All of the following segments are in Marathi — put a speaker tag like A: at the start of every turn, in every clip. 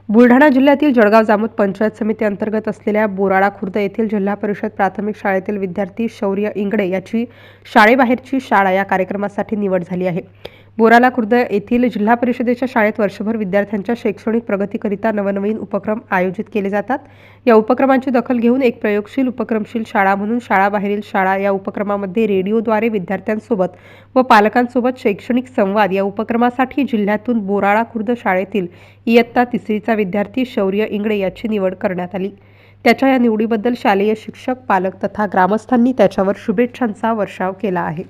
A: बुलढाणा जिल्ह्यातील जळगाव जामोद पंचायत समिती अंतर्गत असलेल्या बोराळा खुर्द येथील जिल्हा परिषद प्राथमिक शाळेतील विद्यार्थी शौर्य इंगळे याची शाळेबाहेरची शाळा या कार्यक्रमासाठी निवड झाली आहे। बोराळा खुर्द येथील जिल्हा परिषदेच्या शाळेत वर्षभर विद्यार्थ्यांच्या शैक्षणिक प्रगतीकरिता नवनवीन उपक्रम आयोजित केले जातात। या उपक्रमांची दखल घेऊन एक प्रयोगशील उपक्रमशील शाळा म्हणून शाळाबाहेरील शाळा या उपक्रमामध्ये रेडिओद्वारे विद्यार्थ्यांसोबत व पालकांसोबत शैक्षणिक संवाद या उपक्रमासाठी जिल्ह्यातून बोराळा खुर्द शाळेतील इयत्ता तिसरीचा विद्यार्थी शौर्य इंगळे याची निवड करण्यात आली। त्याच्या या निवडीबद्दल शालेय शिक्षक, पालक तथा ग्रामस्थांनी त्याच्यावर शुभेच्छांचा वर्षाव केला आहे।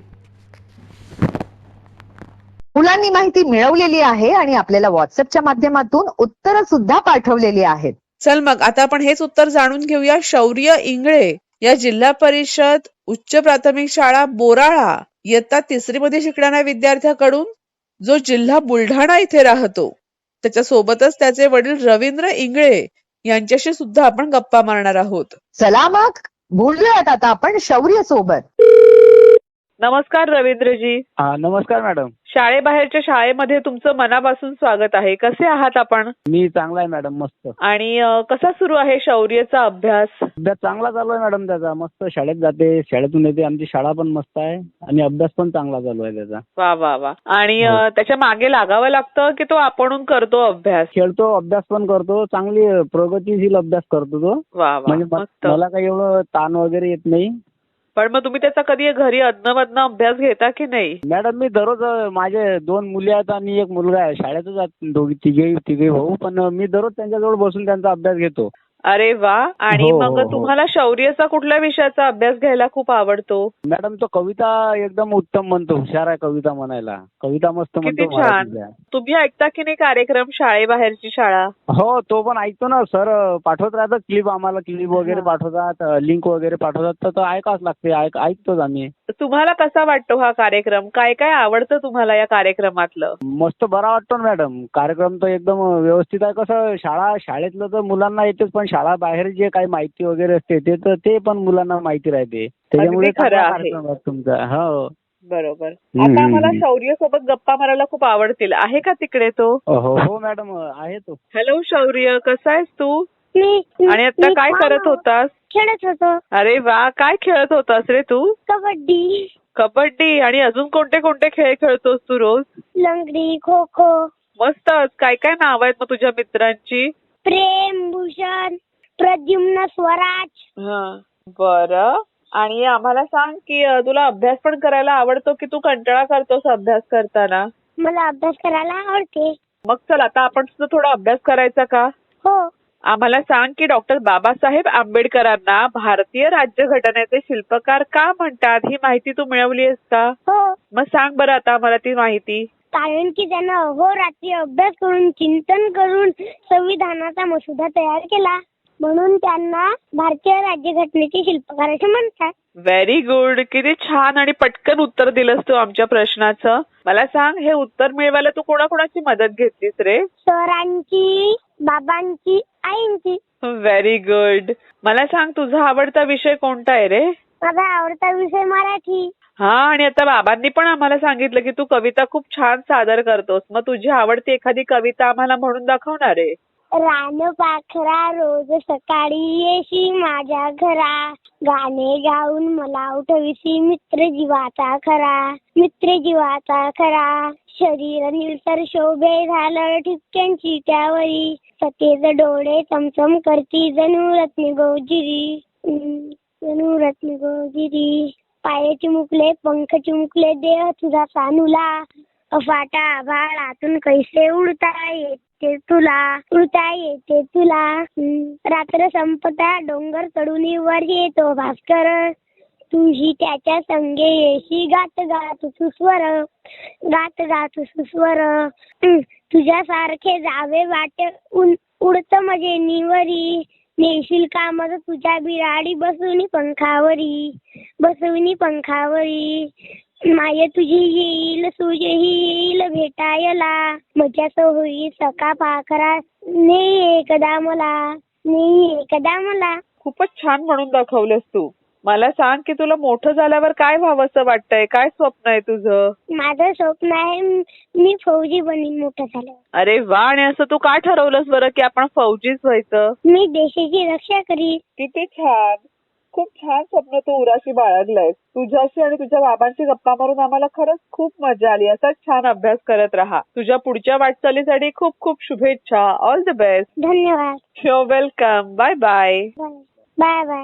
B: मुलांनी माहिती मिळवलेली आहे आणि आपल्याला व्हॉट्सअपच्या माध्यमातून उत्तरं सुद्धा पाठवलेली आहेत।
C: चल मग आता आपण हेच उत्तर जाणून घेऊया। शौर्य इंगळे या जिल्हा परिषद उच्च प्राथमिक शाळा बोराळा इयत्ता तिसरी मध्ये शिकणाऱ्या विद्यार्थ्याकडून, जो जिल्हा बुलढाणा इथे राहतो। त्याच्या सोबतच त्याचे वडील रवींद्र इंगळे यांच्याशी सुद्धा आपण गप्पा मारणार आहोत।
B: चला मग बोलूयात आता आपण शौर्य सोबत।
C: नमस्कार रवींद्रजी।
D: नमस्कार मॅडम।
C: शाळेबाहेरच्या शाळेमध्ये तुमचं मनापासून स्वागत आहे। कसे आहात आपण?
D: मी चांगला आहे मॅडम, मस्त।
C: आणि कसा सुरू आहे शौर्यचा अभ्यास?
D: अभ्यास चांगला चालू आहे मॅडम त्याचा, मस्त शाळेत जाते, शाळेतून येते, आमची शाळा पण मस्त आहे आणि अभ्यास पण चांगला चालू आहे त्याचा।
C: वा वा वा। आणि
D: हो.
C: त्याच्या मागे लागावं लागतं की तो आपणहून करतो अभ्यास?
D: खेळतो, अभ्यास पण करतो, चांगली प्रगतीशील अभ्यास करतो तो।
C: वा वा,
D: म्हणजे
C: मस्त।
D: मला काही एवढं ताण वगैरे येत नाही।
C: पण मग तुम्ही त्याचा कधी घरी अधनं अभ्यास घेता की नाही?
D: मॅडम मी दररोज, माझे 2 मुली आहेत आणि 1 मुलगा आहे, शाळेतच आहेत तिघे भाऊ, पण मी दररोज त्यांच्याजवळ बसून त्यांचा अभ्यास घेतो।
C: अरे वा। आणि
D: हो,
C: मग
D: हो, हो.
C: तुम्हाला शौर्यचा कुठल्या विषयाचा अभ्यास घ्यायला खूप आवडतो?
D: मॅडम तो कविता एकदम उत्तम म्हणतो, हुशार आहे कविता म्हणायला, कविता मस्त
C: किती
D: म्हणतो
C: छान।
D: मराठीतल्या।
C: तुम्ही ऐकता की नाही कार्यक्रम शाळेबाहेरची शाळा?
D: हो, तो पण ऐकतो ना सर, पाठवत राहतात क्लिप, आम्हाला क्लिप वगैरे पाठवतात, लिंक वगैरे पाठवतात, तर तो ऐकावंच लागते, ऐकतोच आम्ही।
C: तुम्हाला कसा वाटतो हा कार्यक्रम? काय काय आवडतं तुम्हाला या कार्यक्रमातलं?
D: मस्त बरा वाटतो ना मॅडम, कार्यक्रम तर एकदम व्यवस्थित आहे। कसं शाळेतलं तर मुलांना येतेच, पण शाळा बाहेर जे काही माहिती वगैरे असते ते पण मुलांना माहिती राहते, त्याच्यामुळे
C: अगदी खरं
D: चांगला
C: आहे।
D: कार्यक्रम आहे तुमचा। हो
C: बरोबर। आता आम्हाला शौर्य सोबत गप्पा मारायला खूप आवडतील, आहे का तिकडे तो?
D: हो मॅडम, आहे तो।
C: हॅलो शौर्य, कसा आहेस तू? आणि आता काय करत होतास?
E: खेळत होतो।
C: अरे वा, काय खेळत होतास रे तू?
E: कबड्डी,
C: कबड्डी। आणि अजून कोणते कोणते खेळ खेळतोस तू रोज?
E: लंगडी, खो खो,
C: मस्तच। काय काय नाव आहेत मग तुझ्या मित्रांची?
E: प्रेम, भूषण, प्रद्युम्न, स्वराज।
C: बरं। आणि आम्हाला सांग की तुला अभ्यास पण करायला आवडतो की तू कंटाळा करतोस अभ्यास करताना?
E: मला अभ्यास करायला आवडते।
C: मग चल आता आपण सुद्धा थोडा अभ्यास करायचा का?
E: हो।
C: आम्हाला सांग की डॉक्टर बाबासाहेब आंबेडकरांना भारतीय राज्यघटनेचे शिल्पकार का म्हणतात? ही माहिती तू मिळवली आहेस का?
E: हो,
C: मग सांग बरं आता मला ती माहिती।
E: कारण की त्यानं अहोरात्री अभ्यास करून, चिंतन करून संविधानाचा मसुदा तयार केला, म्हणून त्यांना भारतीय राज्यघटनेचे शिल्पकार असे म्हणतात।
C: Very good. किती छान आणि पटकन उत्तर दिलंस तू आमच्या प्रश्नाचं। मला सांग, हे उत्तर मिळवायला तू कोणाकोणाची मदत घेतलीस रे?
E: सरांची, बाबांची, आईंची।
C: Very good. मला सांग, तुझा आवडता विषय कोणता आहे रे?
E: माझा आवडता विषय मराठी।
C: हा, आणि आता बाबांनी पण आम्हाला सांगितलं की तू कविता खूप छान सादर करतोस। मग तुझी आवडती एखादी कविता आम्हाला म्हणून दाखवणार आहे?
E: रानपाखरा रोज सकाळी येशी माझ्या घरा, गाणे गाऊन मला उठविसी मित्र जीवाचा खरा, मित्र जीवाचा खरा, शरीर निळसर शोभे झालं ठिपक्यांची त्यावरी, सतेज डोळे चमचम करती जणू रत्न गोजिरी, जणू रत्न गोजिरी, पाय चिमुकले पंख चिमुकले देह तुझा सानुला, अफाटा आभाळातून कैसे उडता येते तुला, रात्र संपता डोंगर चढून वर येतो भास्कर, तुझी त्याच्या संगे येशी गात गात सुस्वर, तुझ्यासारखे जावे वाटे उडत मजे निवरी, नेशील का मग तुझ्या बिराडी बसवणी पंखावरी, माय तुझी येईल सूर्यही येईल भेटायला, मजाच होईल सका पाखरा नेई एकदा मला.
C: खूपच छान म्हणून दाखवलंस तू। मला सांग की तुला मोठं झाल्यावर काय व्हावंसं वाटतंय, काय स्वप्न आहे तुझं?
E: माझं स्वप्न आहे मी फौजी बनीन मोठं झाल्यावर.
C: अरे वा, आणि असं तू का ठरवलंस बरं की आपण फौजीच व्हायचं?
E: मी देशाची रक्षा करीन.
C: किती छान, खूप छान स्वप्न तू उराशी बाळगलंयस. तुझ्याशी आणि तुझ्या बाबांशी गप्पा मारून आम्हाला खरंच खूप मजा आली. असाच छान अभ्यास करत राहा. तुझ्या पुढच्या वाटचालीसाठी खूप खूप शुभेच्छा. All the best.
E: धन्यवाद.
C: Your welcome. Bye bye.
E: Bye bye.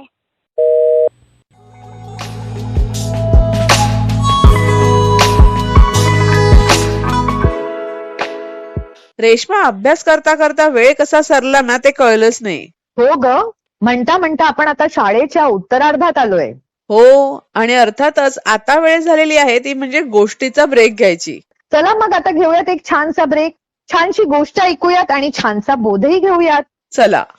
C: Reshma, अभ्यास करता करता वेळ कसा सरला ना ते कळलंच नाही.
B: हो ग, म्हणता म्हणता आपण आता शाळेच्या उत्तरार्धात आलोय.
C: हो, आणि अर्थातच आता वेळ झालेली आहे ती म्हणजे गोष्टीचा ब्रेक घ्यायची.
B: चला मग आता घेऊयात एक छानसा ब्रेक, छानशी गोष्ट ऐकूयात आणि छानसा बोधही घेऊयात.
C: चला.